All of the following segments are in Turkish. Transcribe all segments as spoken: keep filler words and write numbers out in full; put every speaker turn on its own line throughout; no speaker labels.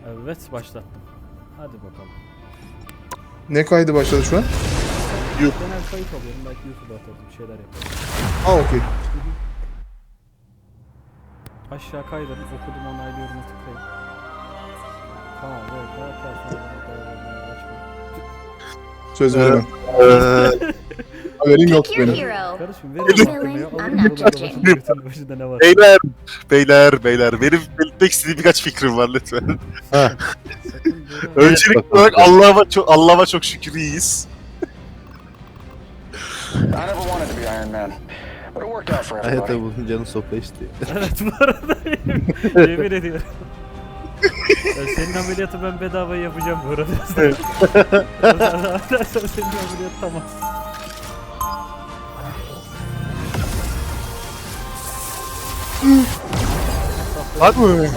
Evet başlattım. Hadi bakalım.
Ne kaydı başladı şu an?
Genel kayıt alıyorum, belki YouTube'a atarım, bir şeyler yaparım.
Aa okey.
Aşağı kaydırın, okudum onaylıyorum tıklayın. Tamam, evet, evet,
Söz veremem. Haberim yok
Pick your
benim.
hero.
karışım, verin hakkımı ya.
I'm
Alırım
not
buradan
judging.
başında, götünün başında ne var?
Beyler, beyler, beyler. Benim belirtmek istediğim birkaç fikrim var lütfen.
Sakın böyle...
Öncelikli olarak Allah'a çok Allah'a çok şükür iyiyiz.
I never wanted to be Iron Man, but it worked out for
Hayatta
everybody.
bunun canı sopa istiyor.
Evet, bu arada yemin ediyorum. Ya senin ameliyatı ben bedava yapacağım bu arada. Sen senin ameliyat tamam.
Hadi mi?
Alacağım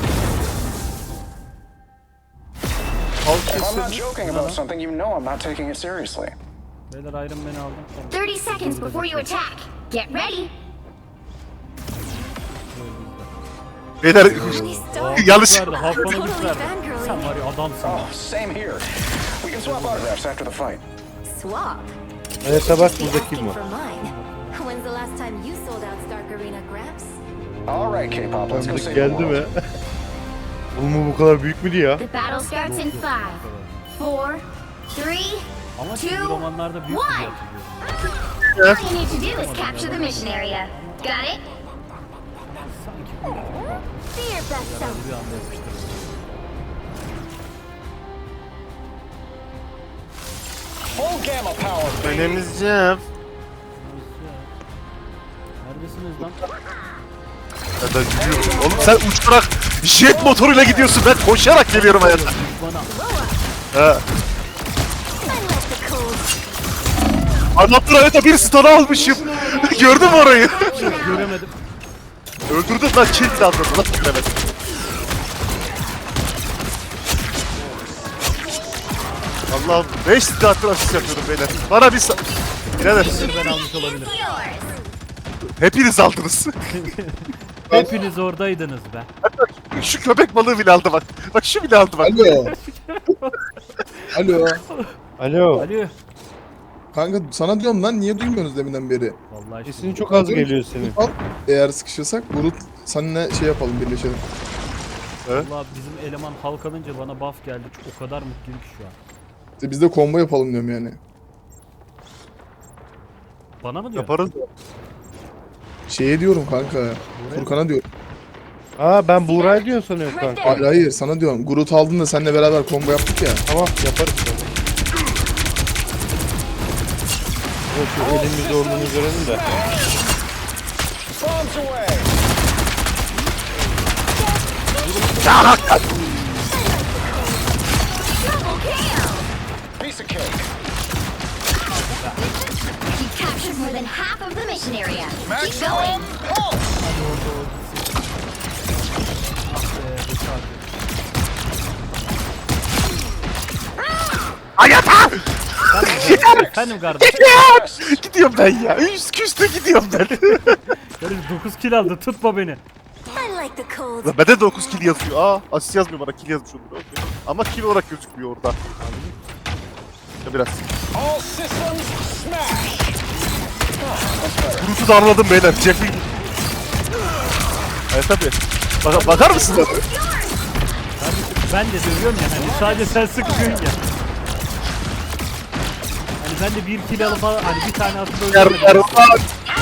If I'm not joking about something, you know I'm not taking it seriously.
ben. Beyler Iron Man'i aldım. Tamam.
thirty seconds before you attack. Get ready.
Beyler,
Tony Stark.
yanlış.
Verdi, Hakan'a güç
Totally
verdi.
fangirling.
Sen var ya adamsın.
Oh, same here. We can swap autographs after the fight.
Swap.
Hayatta bak
Be
burada
asking
kim var?
for mine. When's the last time you sold out Stark Arena, Gramps?
All right, K-pop, let's go
Tanıdık
save the
geldi
world.
mi? Oğlum bu bu kadar büyük müydü ya?
The battle starts in five, four, three.
Ama çizgi romanlarda büyük
one.
bir hatırlıyorum.
All you need to do is capture the mission area. Got it?
Sanki böyle
Be your best self.
bir anda yapıştırdım.
Full gamma power, baby.
Önemli Cem.
Neredesiniz lan?
Ya ben gidiyorum. Oğlum sen uçarak jet motoruyla gidiyorsun. Ben koşarak geliyorum hayatta.
Bana
Ha.
I like the cold.
Anlattın hayata bir stun almışım. Gördün mü orayı?
göremedim.
Öldürdün lan kill de atladın. Nasıl göremedim? Allah'ım beş saattir asist yapıyorum beyler. Bana bir sa... Birader
Ben almış olabilirim.
Yours.
hepiniz aldınız.
Hepiniz oradaydınız be.
Şu köpek balığı bile aldı bak. Bak şu bile aldı bak.
Alo. Alo.
Alo.
Alo.
Kanka sana diyorum lan niye duymuyorsunuz deminden beri?
Vallahi işte.
Sesin çok az geliyor senin.
Al. Eğer sıkışırsak Bulut seninle şey yapalım birleşelim.
Vallahi bizim eleman halk alınca bana buff geldi. O kadar mutluyum ki şu an.
İşte biz de combo yapalım diyorum yani.
Bana mı diyor?
Yaparız.
Şeye diyorum kanka. Furkan'a diyorum.
Aa ben Buğra'yı diyorsun sanıyorum
Right
kanka.
there.
Hayır hayır sana diyorum. Groot aldın da seninle beraber combo yaptık ya.
Tamam yaparız. Evet, şu elimin zorluğunu görelim de.
Bombs away.
Double kill.
Piece of cake.
You captured more than half of the mission area. Keep going.
Hayata!
Efendim kardeşim.
Gidiyorum ben ya. Üst küste gidiyorum ben.
Kardeşim dokuz kill aldı. Tutma beni.
I like the cold.
Lan bende dokuz kill yazıyor. Aa asist yazmıyor bana kill yazmış olur. Okey. Ama kill olarak gözükmüyor orada. Ya biraz.
All systems smash.
Groot'u da anladım beyler. Jeffrey. Evet tabi. Bak bakar mısın?
Kardeşim ben de dövüyorum ya. Hani sadece sen sıkıyorsun ya. Hani ben de bir kill alıp hani bir tane atıp
Yer
öldürmedim.
yer var.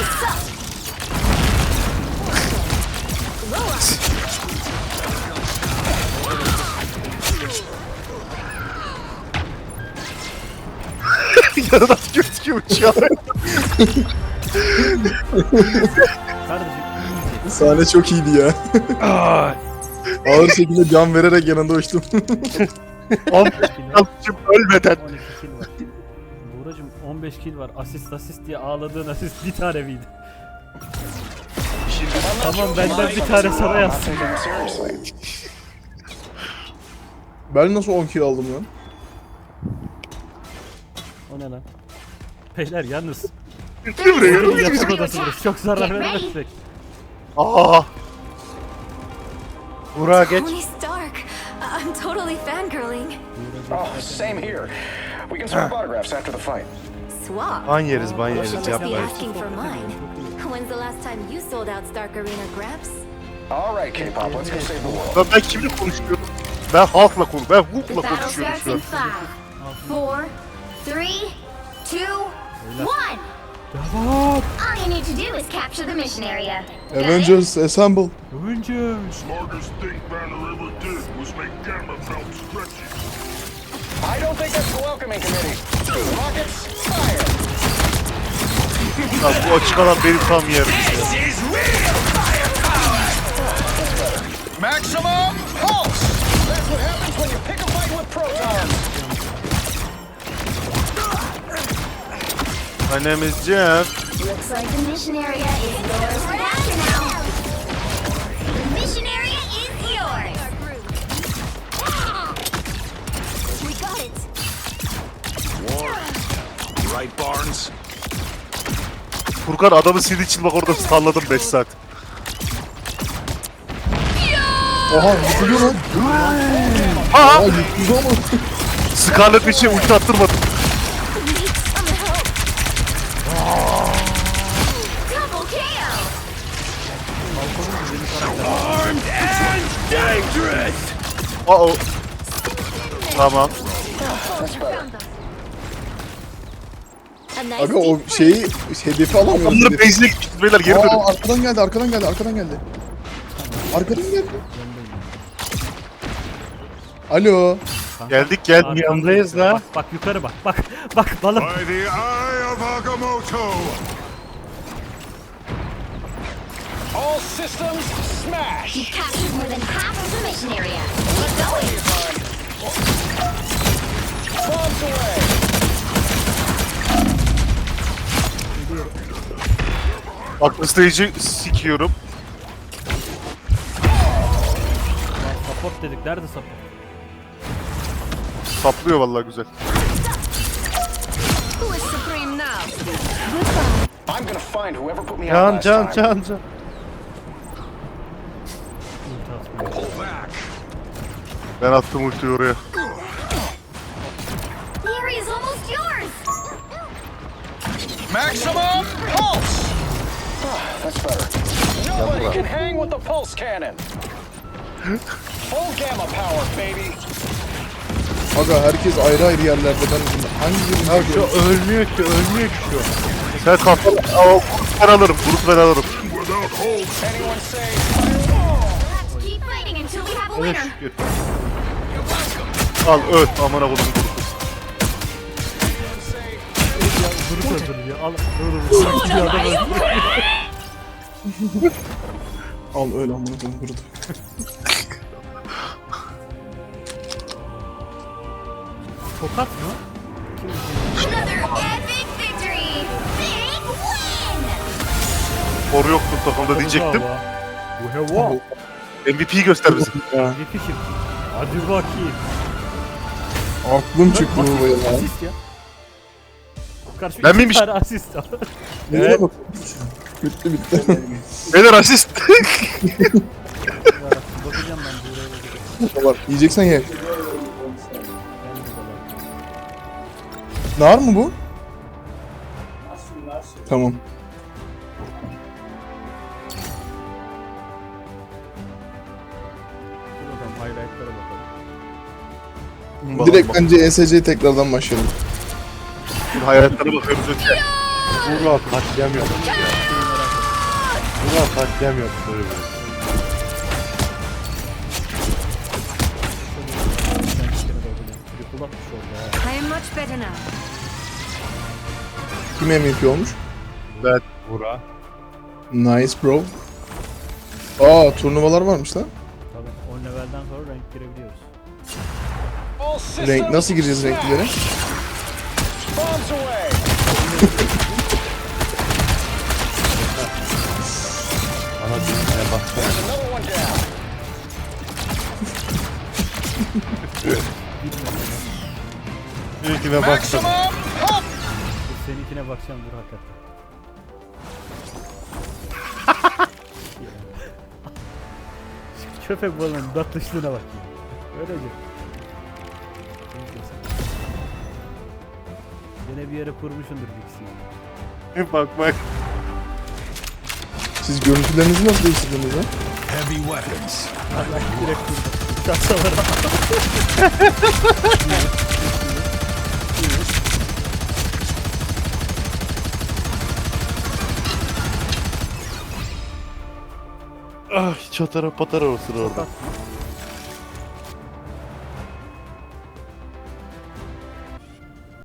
Yarın at gözüküyor uçuyor.
Kardeşim iyice.
Sahne çok iyiydi ya. Ağır şekilde can vererek yanında uçtum.
on beş almışım ölmeden.
on iki kill var. Buğracım on beş kill var. Asist asist diye ağladığın asist bir tane miydi? Tamam benden bir tane sana
I'm not
yazsın.
taking it seriously.
Ben nasıl on kill aldım lan?
O ne lan? Beyler yalnız.
Gel buraya.
Benim yatak odası burası. Çok zarar vermezsek.
Aa.
Buğra geç.
Tony Stark. I'm totally fangirling.
Oh, same here. We can swap autographs after the fight.
Swap?
Ban yeriz ban yeriz
Must be
yapmayın.
asking for mine. When's the last time you sold out Stark Arena, Gramps?
All right, K-pop, let's go save the world.
Ben, ben kimle konuşuyorum? Ben halkla konu, ben Hulk'la
Battle
konuşuyorum
starts
şu
in
an.
five, four, three, two, one. All you need to do is capture the mission area. Got it?
Avengers Assemble.
Oyuncu.
Smartest thing Banner ever did was make Gamma belt stretchy.
I don't think that's the welcoming committee. Rockets, fire!
Ya bu açık alan benim tam yerim.
Maximum pulse! That's what happens when you pick a fight with protons.
My name is Jeff.
Looks like the mission area is yours right after now. The mission area is yours. We got it.
Right, Barnes?
Furkan adamı sildiği için bak orada salladım beş saat.
Oha yıkılıyor lan.
Ha!
Aa yıkıldı ama.
Scarlet Witch'e ulti attırmadım.
We need some help. Double K O.
Aa o. Tamam.
A nice
Abi o
deep
şeyi hedefi alamıyoruz.
Onları
Hedefi.
base'ine gittik beyler geri dönün.
Aa arkadan geldi arkadan geldi arkadan geldi. Arkadan geldi. Alo.
Geldik geldik.
Arkamda
Yanındayız la.
Bak bak yukarı bak. Bak bak balım.
By the eye of Agamotto!
All systems smash!
You captured more than half of the mission area. Keep going.
Bombs away!
Aklı stage'i sikiyorum.
Lan support dedik. Nerede support?
Saplıyor vallahi güzel.
Who is supreme now?
I'm gonna find whoever put me out
Can
last
can
time.
can can.
Ulti atmıyor.
Pull back!
Ben attım ultiyi oraya.
The area is almost yours.
Maximum pulse! Ah, that's better. Nobody can hang with the pulse cannon. Full gamma power, baby.
Aga herkes ayrı ayrı yerlerde. Ben hangi birini
Ya şu ölmüyor ki ölmüyor ki şu.
Sen kafanı... Aa, o grup ben alırım, grup ben alırım.
Without hope!
Anyone say
Let's keep fighting until we have a
Evet
winner.
şükür.
Al öl, amına koydum grubu.
Grup öldürüyor. Al. Dur dur. Adam öldürüyor.
Al öyle amına koyayım burada.
Tokat mı?
Another epic victory. Big win.
Soru yoktu takımda diyecektim.
Bu heva.
M V P'yi göster bize.
Yetişim. Hadi bakayım.
Aklım çıktı bu ya.
Asist ya. Karşı
Ben
iki
miymiş?
tane asist.
Evet. Bitti bitti.
Beyler asist.
Bakacağım ben buraya bakacağım.
Var. Yiyeceksen ye.
Ben de bakayım.
Nar mı bu? Tamam.
Dur bakalım highlightlara bakalım.
Direkt bence E S C'ye tekrardan başlayalım.
Hayatlara bakıyoruz öte.
Vurla katliam yok. Vurla katliam yok böyle bir.
Ben içine bakacağım. Bir kulakmış oldu ha.
I am much better now.
Kim M V P olmuş?
Ben
Vura.
Nice bro. Aa turnuvalar varmış lan.
Tabii on levelden sonra rank girebiliyoruz.
all systems
Renk nasıl gireceğiz renklere?
bombs away?
Ana düğmeye baksana.
There's another one down.
İlkine baksana.
Maximum pulse!
Dur seninkine bakacağım dur hakikaten. Şu köpek balığının tatlışlığına bak ya. Öylece. Yine bir yere kurmuşundur bilgisayarı.
Bak bak.
Siz görüntülerinizi nasıl değiştirdiniz lan?
Heavy weapons.
Direkt kurdu. Kasalara.
Ah çatara patara olsun orada.